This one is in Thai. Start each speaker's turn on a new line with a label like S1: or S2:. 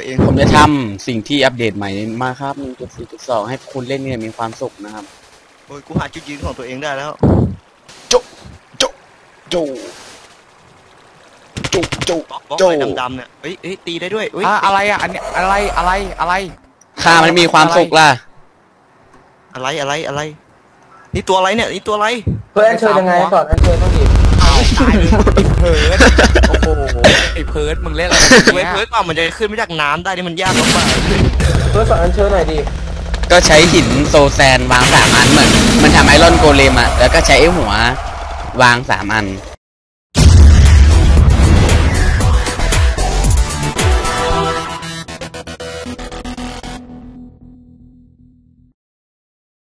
S1: เอง
S2: ผมจะทำสิ่งที่อัปเดตใหม่มาครับ 1.4.2 ให้คุณเล่นเนี่ยมีความสุขนะครับ
S1: โอ้ยกูหาจุดยืนของตัวเองได้แล้ว
S2: โจโจโจโจโจ
S1: บล็อก
S2: โจ
S1: อะไรดำๆเนี่ยเฮ้ยตีได้ด้วยเฮ้ย
S3: อะไรอ่ะอันนี้อะไร
S2: ข้ามันมีความสุขล่ะ
S1: อะไรนี่ตัวอะไรเนี่ยนี่ตัวอะไร
S4: เพื่อนอัญเชิญยังไงสอนอัญเชิญต้องดี
S3: เอาตายเลยไอ้เพิร์ดโอ้โหไอ้เพิร์ดมึงเล่นอะไร
S1: เว้ยเพื่อนกว่ามันจะขึ้นมาจากน้ำได้นี่มันยากมาก
S4: เพื่อนสอนอัญเชิญหน่อยดิ
S2: ก็ใช้หินโซแซนวาง3 อันเหมือนมันทำไอรอนโกเลมอะแล้วก็ใช้ไอ้หัววาง3 อัน